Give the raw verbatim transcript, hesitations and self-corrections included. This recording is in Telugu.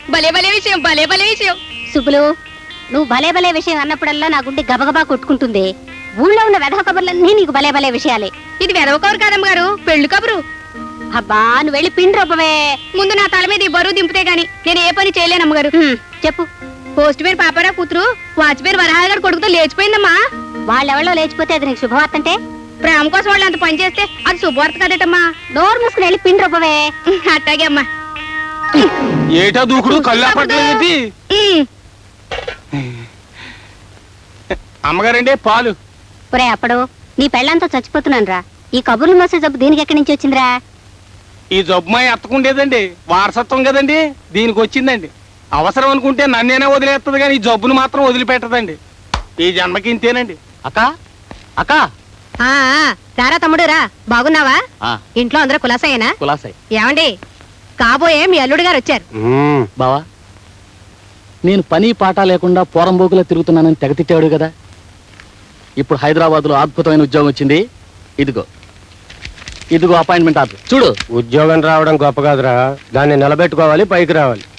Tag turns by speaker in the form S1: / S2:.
S1: భలే భలే విషయం భలే భలే విషయం.
S2: సుబ్బులు, నువ్వు భలే భలే విషయం అన్నప్పుడల్లా నా గుండె గబగబా కొట్టుకుంటుంది. ఊళ్ళో ఉన్న వెధవ కబుర్లన్నీ నీకు భలే భలే విషయాలే.
S1: ఇది వెదవ కబురు కాదమ్మ గారు, పెళ్లి కబురు.
S2: అబ్బా, నువ్వు వెళ్ళి పిండి రూపవే.
S1: ముందు నా తల మీద ఈ బరువు దింపితే గాని నేను ఏ పని చేయలేను అమ్మగారు.
S2: చెప్పు.
S1: పోస్ట్ పేరు పాపారావు కూతురు వాచ్ పేరు వరహాగారు కొడుకుతో లేచిపోయిందమ్మా.
S2: వాళ్ళెవళ్ళో లేచిపోతే అది నీకు శుభవార్త అంటే?
S1: ప్రేమ కోసం వాళ్ళు అంత పని చేస్తే అది శుభవార్త కదటమ్మా.
S2: నోరు మూసుకుని వెళ్ళి పిండి రూపవే.
S1: అట్టాగే అమ్మా.
S3: ఏటా దూకుడు కళ్ళు అప్పట్లేదు. అమ్మగారండి పాలు.
S2: ఒరే అప్పుడు నీ పెళ్ళంతా చచ్చిపోతున్నాను రా. ఈ కబుర్లు మోసే జబ్బు దీనికి ఎక్కడి నుంచి వచ్చిందిరా?
S3: ఈ జబ్బు మా ఎత్తకుండేదండి, వారసత్వం కదండి, దీనికి వచ్చిందండి. అవసరం అనుకుంటే నన్నేనే వదిలేస్తుంది కానీ ఈ జబ్బును మాత్రం వదిలిపెట్టదండి. ఈ జన్మకి ఇంతేనండి.
S4: అక్క అక్క
S1: రారా తమ్ముడు రా. బాగున్నావా? ఇంట్లో అందరూ కులాసాయేనా?
S4: కులాసాయి.
S1: ఏమండి, కాబోయే మీ అల్లుడు గారు వచ్చారు.
S4: బావా, నేను పని పాట లేకుండా పోరంబోకులా తిరుగుతున్నానని తెగ తిట్టాడు కదా. ఇప్పుడు హైదరాబాద్ లో అద్భుతమైన ఉద్యోగం వచ్చింది. ఇదిగో ఇదిగో అపాయింట్మెంట్ ఆర్డర్ చూడు.
S5: ఉద్యోగం రావడం గొప్ప కాదురా, దాన్ని నిలబెట్టుకోవాలి, పైకి రావాలి.